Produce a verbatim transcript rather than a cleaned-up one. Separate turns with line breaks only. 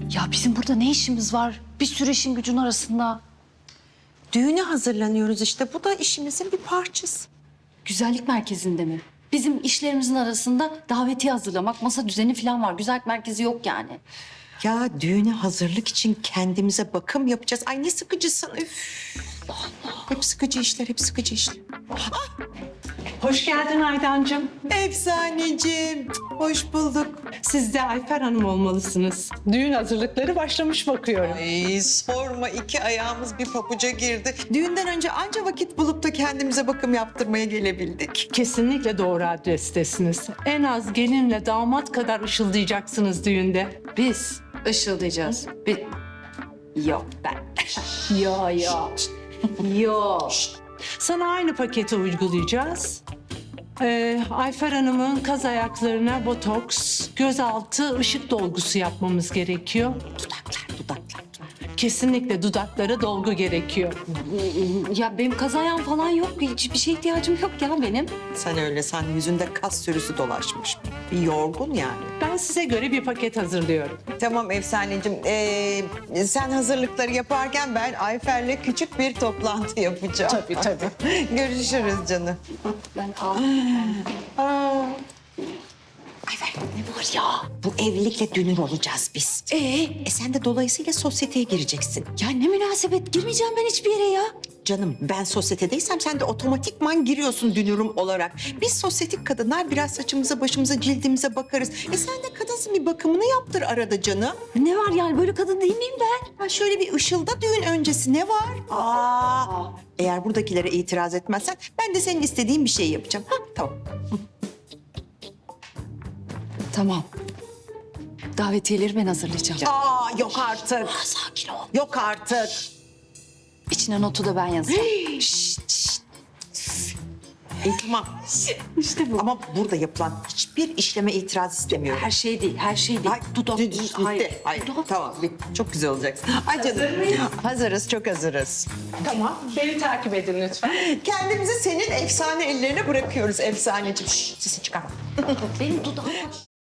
Ya bizim burada ne işimiz var? Bir sürü işin gücün arasında.
Düğüne hazırlanıyoruz işte. Bu da işimizin bir parçası.
Güzellik merkezinde mi? Bizim işlerimizin arasında davetiye hazırlamak, masa düzeni falan var. Güzellik merkezi yok yani.
Ya düğüne hazırlık için kendimize bakım yapacağız. Ay ne sıkıcısın. Üf. Hep sıkıcı işler, hep sıkıcı işler.
Hoş geldin Aydancığım.
Efsaneciğim, hoş bulduk.
Siz de Ayfer Hanım olmalısınız. Düğün hazırlıkları başlamış bakıyorum.
Ay sorma, iki ayağımız bir pabuca girdi. Düğünden önce anca vakit bulup da kendimize bakım yaptırmaya gelebildik.
Kesinlikle doğru adrestesiniz. En az gelinle damat kadar ışıldayacaksınız düğünde.
Biz ışıldayacağız. Bir... Yok ben. Yo yo. Yo.
Sana aynı paketi uygulayacağız. Ee, Ayfer Hanım'ın kaz ayaklarına botoks, gözaltı ışık dolgusu yapmamız gerekiyor.
Dudaklar, dudaklar.
Kesinlikle dudaklara dolgu gerekiyor.
Ya benim kazayam falan yok. Hiçbir şeye ihtiyacım yok ya benim.
Sen öyle, sen yüzünde kas sürüsü dolaşmış. Bir yorgun yani.
Ben size göre bir paket hazırlıyorum.
Tamam Efsaneciğim. Ee, sen hazırlıkları yaparken ben Ayfer'le küçük bir toplantı yapacağım.
Tabii, tabii.
Görüşürüz canım.
Ben al.
Ayfer ne var ya? Bu evlilikle dünür olacağız biz.
Ee?
E sen de dolayısıyla sosyeteye gireceksin.
Ya ne münasebet. Girmeyeceğim ben hiçbir yere ya.
Canım ben sosyetedeysem sen de otomatikman giriyorsun dünürüm olarak. Biz sosyetik kadınlar biraz saçımıza, başımıza, cildimize bakarız. E sen de kadınsın, bir bakımını yaptır arada canım.
Ne var yani böyle kadın değil miyim ben?
Ha şöyle bir ışılda düğün öncesi ne var? Aa, eğer buradakilere itiraz etmezsen ben de senin istediğin bir şey yapacağım. Ha tamam.
Tamam. Davetiyeleri ben hazırlayacağım.
Aa yok artık.
Aa, sakin ol.
Yok artık.
İçine notu da ben yazacağım.
Şşt, şşt. İyi tamam.
İşte bu.
Ama burada yapılan hiçbir işleme itiraz istemiyorum.
Her şey değil, her şey değil.
Ay,
Dudak,
dü- dü-
hayır.
bitti. Hayır,
Dudak.
tamam. bitti. Çok güzel olacaksın. Ay canım. Hazırız, çok hazırız.
Tamam, beni takip edin lütfen.
Kendimizi senin efsane ellerine bırakıyoruz efsaneciğim. Şşş, sesini çıkarma.
Benim dudağım var.